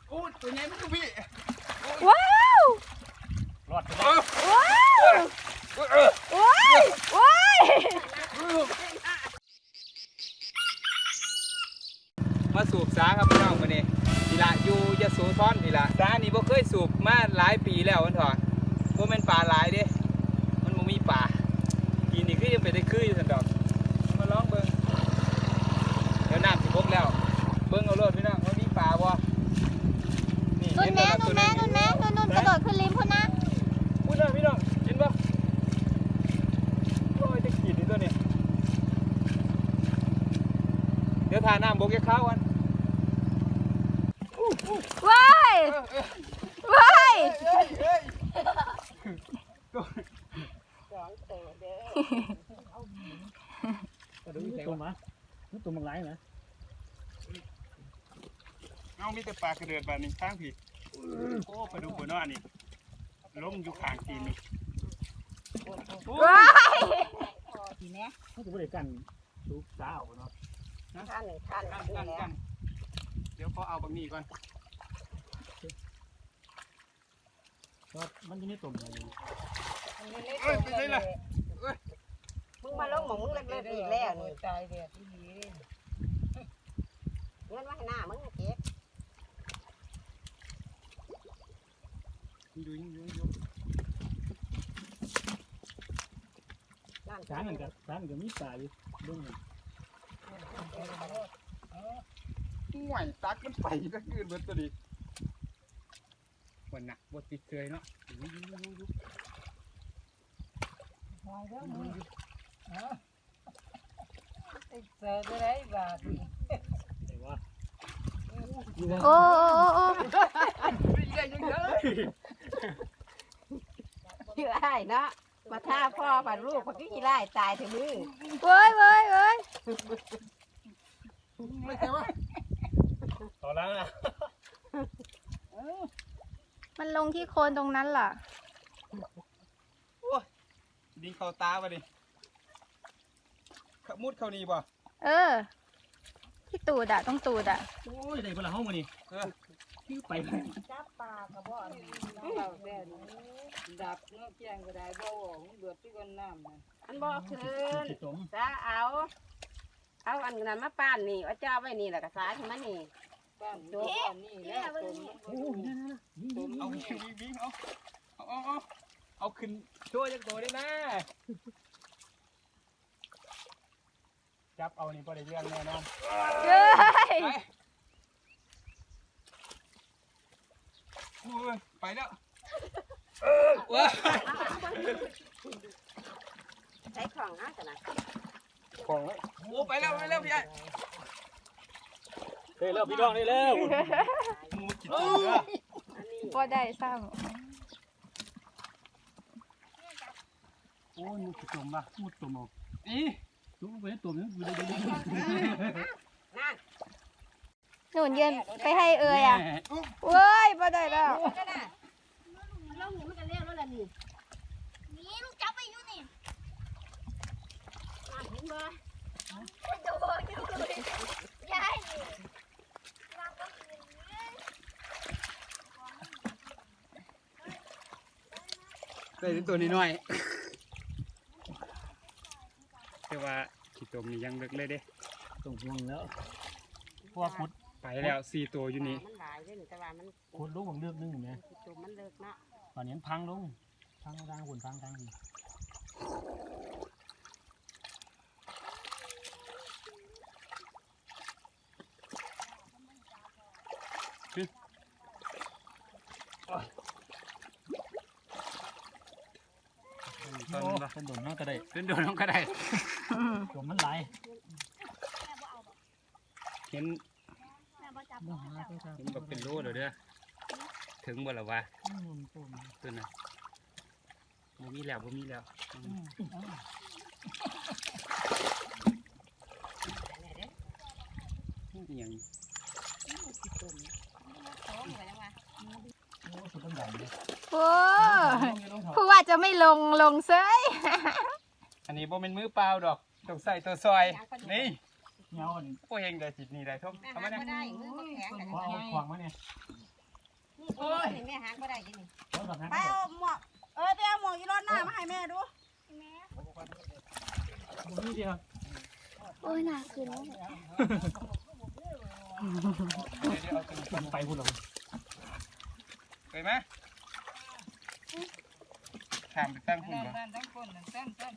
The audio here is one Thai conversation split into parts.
โอ้ตัวใหญ่มันก็พี่ว้าวรอดไปได้ว้าวว้ายว้ายมาสูบสาครับพี่น้องวันนี้ดีละอยู่ยโสธรดีละสานี่บ่เคยสูบมาหลายปีแล้วมันถอดบ่แม่นปลาหลายเด้มันบ่มีปลาปีนี้คือยังไปได้คืออยู่ซั่นดอกมาลองเบิ่งเดี๋ยวน้ำสิบกแล้วเบิ่งเอาโลดพี่น้องว่ามีปลาบ่นี่นุ่นแม่เห็นุ่นบ่แม่ล่ะนุ่นแม่นุ่นกระโดดขึ้นริมพุ่นนะพูดเลยพี่น้องเห็นบ่โอ้ยจะขีดนี่ตัวนี้เดี๋ยวทาน้ำบกจะเข้ากันว้ายว้ายตัวมาตัวมังไรนะเอามีแต่ปลากระเดือดแบบนี้ข้างผิดโอ้ปลาดุกหัวน้อนี่ล้มอยู่ข้างตีนนี่ว้ายทีนี้เขาจะไม่ได้กันลูกสาวเนาะท่านหนึ่งท่านกันเดี๋ยวเขาเอาบะหมี่ก่อนก็มันจะไม่ตุ่มเลยเอ้ยไปไหนล่ะมึงมาลงหมองมึงเล็กๆอีกแล้วนี่ตายเด็ดที่นี่เงินไว้ให้หน้ามึงเก็บอยู่ช้างกันกับช้างกับมีปลาอยู่ดุ้งห่วยตักมันไปก็ยืนเบิดตัวนี้วันน่ะบดติดเคยเนาะหอยแล้วมึงเจอได้ไรบาทแต่ว่าโอ้โอ้ชื่อไอ้เนาะมาท่าพ่อผัดลูกผัดกี่ไร่ตายถึงมือเว้ยเว้ยเว้ยไม่ใช่ว่าต่อแล้วนะมันลงที่โคนตรงนั้นเหรอดิงเข้าตาป่ะดิมุดเข้านี่ป่ะเออ ที่ตูดอะต้องตูดอะโอ้ยได้เวลาห้องมานี่ไปไปจับปลากระบอกเราแดดดับเนื้อแกงก็ได้บ่มันเดือดที่ก้นน้ำนะอันบอกคืนติดตุ่มจะเอาอันนั้นมาป้านนี่เอาเจ้าไว้นี่แหละกระสายขึ้นมานี่บ้านโดนนี่แล้วตมโอ้ยนี่เอาวิ่งเอาขึ้นช่วยจักตัวได้นะจับเอานี่พอได้เรื่องแน่นอนเฮ้ยไปแล้วว้าใช้ของนะจ้ะนะของโอ้ไปแล้วพี่ไอ้เฮ้ยแล้วพี่น้องได้แล้วมูจิตตัวเด้ออันนี้บ่ได้ซ้โอ้ยมุดตุ่มป่ะมุดตุ่มเอานี่ตุ่มไปตุ่มนี่ดูได้นั่นำหนุนยืนไปให้เอ่ยอะเว้ยบ่ได้แล้วก็น่ะลงนี่มันก็เลี้ยวแล้วล่ะนี่นี่ลูกจับไปอยู่นี่เห็นบ่โดนอยู่ยายได้ถึงตัวนี้หน่อยแต่ว่าขี้ตมนี่ยังเล็กเลยเด้ตุ่มห่วงแล้วเพราะว่าขุดไปแล้ว4ตัวอยู่นี่มันหลายเด้แต่ว่ามันขุดลงบางเลือกนึงนะจุ่มมันเลิกเนาะตอนนี้พังลงพังทางหุ่นพังทางหุ่นตอนเป็นโดนน้องก็ได้เป็นโดนน้องก็ได้ตุ่มมันไหลเห็นแบบเป็นโลเลยเด้อถึงบ่ละวะตัวน่ะบ่มีแล้วอย่างโอ้สุดต้องดังเลยโอ้ผู้ว่าจะไม่ลงเซ้ยอันนี้บ่เป็นมือเปล่าดอกต้องใส่ตัวซอยนี่เงาอันพวกเฮงได้จิตนี่ได้ทุกแม่ทำไมหาเนี่ยบ่ได้มือบ่แข็งกันพอเอาขวางมาเนี่ยนี่แม่หักบ่ได้กินนี่ไปเอาหมวกไปเอาหมวกอีรอดหน้ามาให้แม่ดูนี่ดีครับโอ้ยน่ากินแล้วมันไปพูดหรอไปไหมถามไปตั้งคุณเหรอนั่นทั้งคนนั่นตั้ง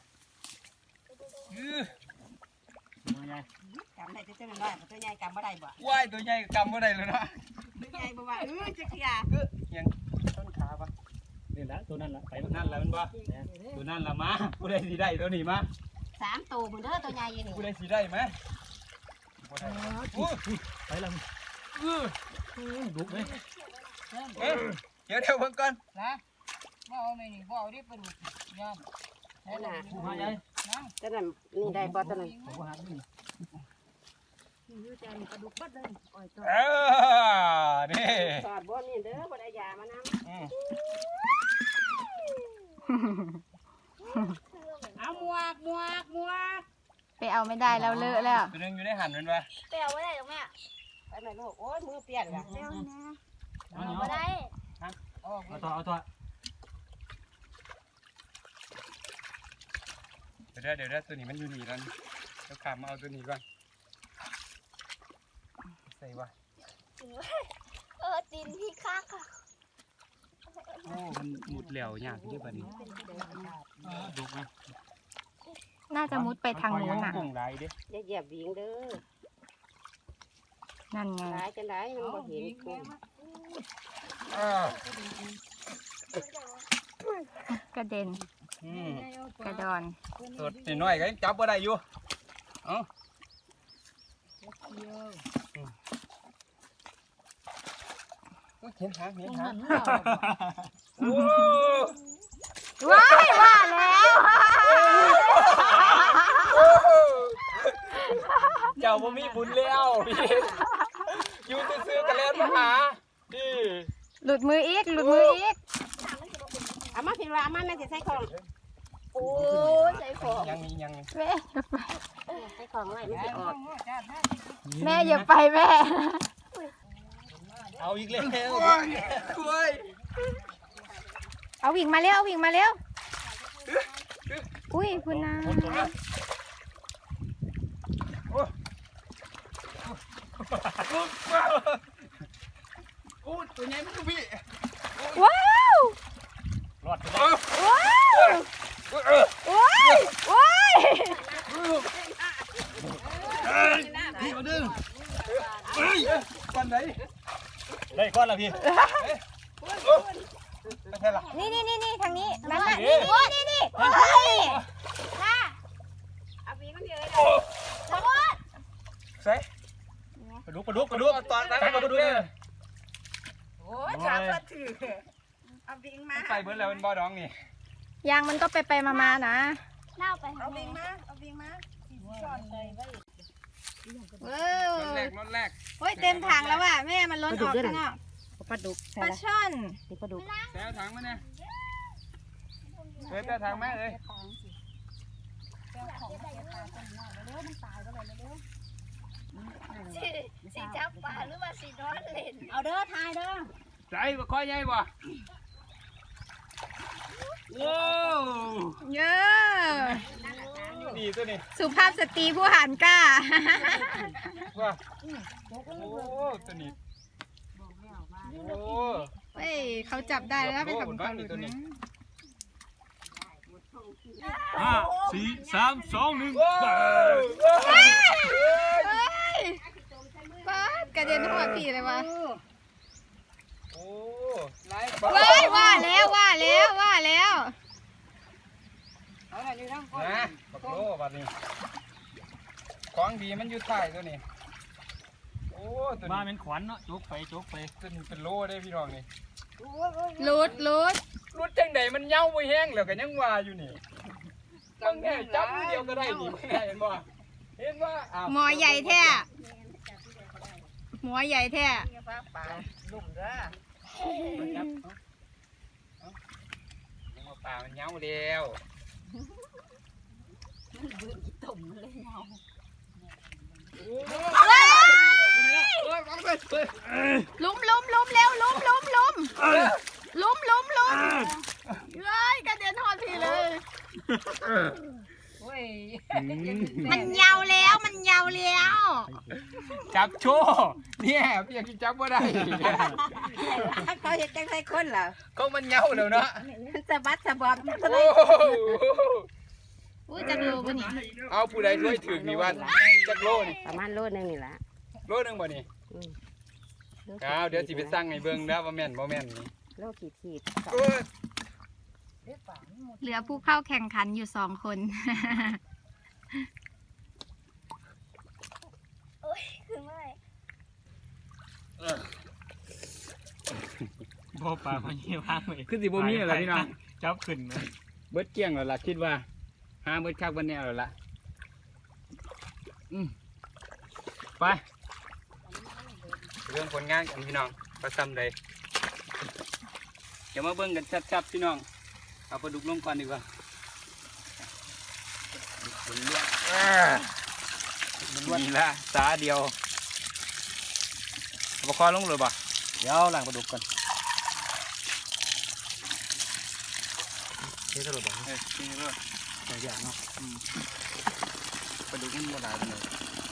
ยังไงกำได้จะเป็นน้อยตัวใหญ่กำบ่ได้บ่ว่ายตัวใหญ่กำบ่ได้เลยนะตัวใหญ่บ่ว่าจะเสียยังต้นขาปะนี่แหละตัวนั้นแหละไปตัวนั่นแหละมันบ่ตัวนั่นละมาผู้ใดสิได้ตัวนี้มา 3ตัวพุ่นเด้อตัวใหญ่นี่ผู้ใดสิได้ไหมบ่ได้อู้ไปแล้วๆลุกเลยเดี๋ยวเพิ่งก่อนนะบ่เอาไม่นี่บ่เอาดิปลาดุกยอมนั่นน่ะผู้หายายนั่งตัวนั้นนี่ได้บ่ตัวนั้นผู้หายนี่อยู่แต่ปลาดุกบ่เด้ออ้อยตัวนี่สอดบ่นี่เด้อบ่ได้ยามานำเอาหมวกไปเอาไม่ได้แล้วเลอะแล้วตัวนึงอยู่ในหันมันปะไปเอาไม่ได้หรอกแม่ไปหน่อยลูกโอ้ยมือเปลี่ยนละไปเอานะเอาเอาไม่ได้เอาตัวเดี๋ยวตัวนี้มันอยู่นี่แล้วเดี๋ยวขามมาเอาตัวนี้ก่อนใส่วะตีนพี่ข้างค่ะโอ้มันหมุดเหลวยากที่บัดนี้ลุกไหมน่าจะมุดไปทางนู้นน่ะกุ้งไรเด้อย่าเหยียบวิ่งเด้อนั่นไงหลายจังได๋มันบ่เห็นกุ้งกระเด็นกระดอนตัวนิดหน่อยก็ยังจับบ่ได้อยู่เอ้าเห็นหางโอ้ว้ายว่าแล้วเจ้าบ่มีบุญแล้วพี่อยู่ซื่อๆกันแล้วมาหาพี่หลุดมืออีกหลุดมืออีกเอามาผิดว่าเอามาแม่สิใส่ของโอ้ยใส่ของยังมีแม่ใส่ของไว้มันสิออกแม่อย่าไปแม่เอาอีกแล้วช่วยเอาวิ่งมาเร็ววิ่งมาเร็วอุ้ยคุณนาโอ้ตัวใหญ่มันคือพี่ว้าวรอดไปว้าวว้ายว้ายพี่มาดึงก่อนไหนได้ก้อนละพี่ไม่ใช่หรอนี่ทางนี้นั่นน่ะนี่เฮ้ยน่าเอาวิ่งมันเยอะสมมติใส่ปลาดุกตอนนั้นปลาดุกเลยโอ้ยจับก็ถือเอาวิ่งมาใส่เบิร์ดแล้วเป็นบ่อดองนี่ยางมันก็ไปมานะเล่าไปเอาวิ่งมาซ่อนเลยไว้ว้าวรถแรกโอ้ยเต็มถังแล้วว่ะแม่มันล้นออกข้างนอกปลาดุกปลาช่อนนี่ปลาดุกแซวถังมาเนี่ยเฮ้ยแซวถังแม่เลยสีจับปลาหรือว่าสีนอนเล่นเอาเด้อทายเด้อใส่บ่ค่อยใหญ่บ่โอ้เยอะดีตัวนี้สุภาพสตรีผู้หันกล้าว่าโอ้ตัวนี้โอ้เฮ้ยเขาจับได้แล้วเป็นของเขาหลุดนะ 5 4 3 2 1 เฮ้ยป๊าดกระเด็นหัวผีเลยวะโอ้ไล่เว้ยว่าแล้วเอาหน่อยอยู่ทั้งคนนะบักโลบัดนี้ของดีมันอยู่ใต้ตัวนี้โอ้ตัวมานี้เป็นขวัญเนาะโจกไปตัวนี้เป็นโลได้พี่น้องนี่ลุดรถจังใดมันเน่าไปแห้งแล้วก็ยังว่าอยู่นี่มึงแค่จับมือเดียวก็ได้นี่มึงเห็นบ่เห็นว่าอ้าวหมอใหญ่แท้หมอใหญ่แท้ปลาลุ่มเด้อจับเอาปลามันเน่าแล้วลุ้มเร็วลุ้มล้มเฮ้ยกระเด็นหอดทีเลยโอ้ยมันยาวแล้วมันยาวแล้วจับโชว์เนี่ยเพียงจับบ่ได้เขาเห็นจังไสคนเหรอก็มันเหงาแล้วเนาะมันสะบัดสะบอมมันก็เลโอ้ยโหอุ้ยจักรูปะนี่เอาผู้ใดช่วยถึงนี่วันจักโลนี่ประมาณโลนึงนี่ล่ะโลนึงบ่นี่อืมอ้าวเดี๋ยวสิไปสั่งให้เบิ่งนะว่าแม่นบ่แม่นนี่โลขีดโอ้ยเหลือผู้เข้าแข่งขันอยู่2 คนบ่ปลามันยี่ว่างเลยคือสิบ่มีอะไรพี่น้องจับขึ้นไหมเบิดเกลี้ยงแล้วล่ะคิดว่าหาเบิดคักเบิดแนวแล้วล่ะไปเรื่องผลงานกันพี่น้องประซ้ำใดเดี๋ยวมาเบิ่งกันชัดๆพี่น้องเอาปลาดุกลงก่อนดีกว่านี่ละสาเดียวเอาปลาคอลงเลยบ่เดี๋ยวล้างปลาดุกก่อนนี่สรุปบ่นี่เลยใส่อย่างเนาะปลาดุกมันบ่หลายปานใด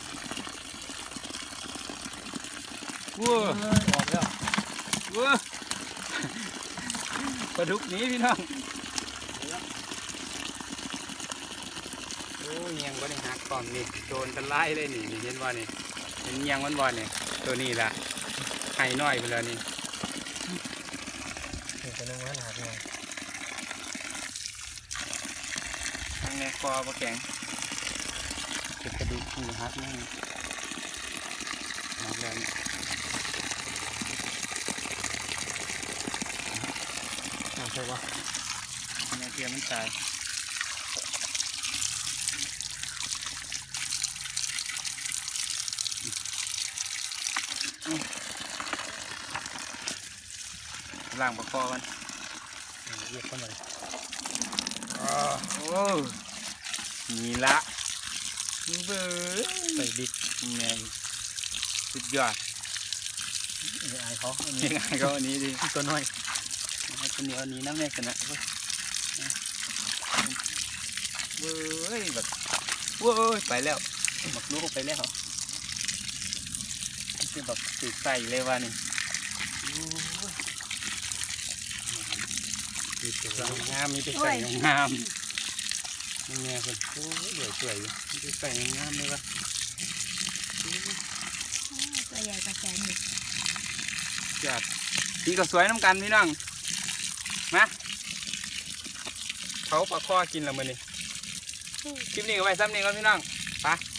ว้าออกแล้วว้าปลาดุกหนี้พี่น้องโอ้ยยังบ่ได้หักก่อนนี่โดนกันไล่เลยนี่เห็นว่านี่เห็นยังวันๆนี่ตัวนี้ล่ะไข่น้อยไปแล้วนี่นี่ตัวนึงมันหาไงทางนี้คอปลาแข็งเก็บกระดูกหูหักนี่หักแล้วนี่ใช่ปะเนี่ยเทียมมันตายล้างปลาคอกันเรียกเข้ามาเลยโอ้นี่ละเบ้อใส่บิ๊กไงสุดยอดไอ้เขาอันนี้ยังไงก็อันนี้ดิตัวน้อยเอาตัวนี้เอานี้น้ำแม่กันนะเว้ยเว้ยแบบเว้ยไปแล้วหมกลูกไปแล้วคือแบบติดใส่เลยว่านี่มีแต่งามมีแต่ใส่งามนี่ไงคนโอ้ยเดี๋ยวสวยอยู่มีแต่ใส่งามเลยวะตัวใหญ่กว่าแสนอีกจัดพี่ก็สวยน้ำกันพี่น้องมาเขาปลาข้อกินแล้วมื้อนี้คลิปนี้ก็ไว้ซ้ำนี้ก่อนพี่น้องไป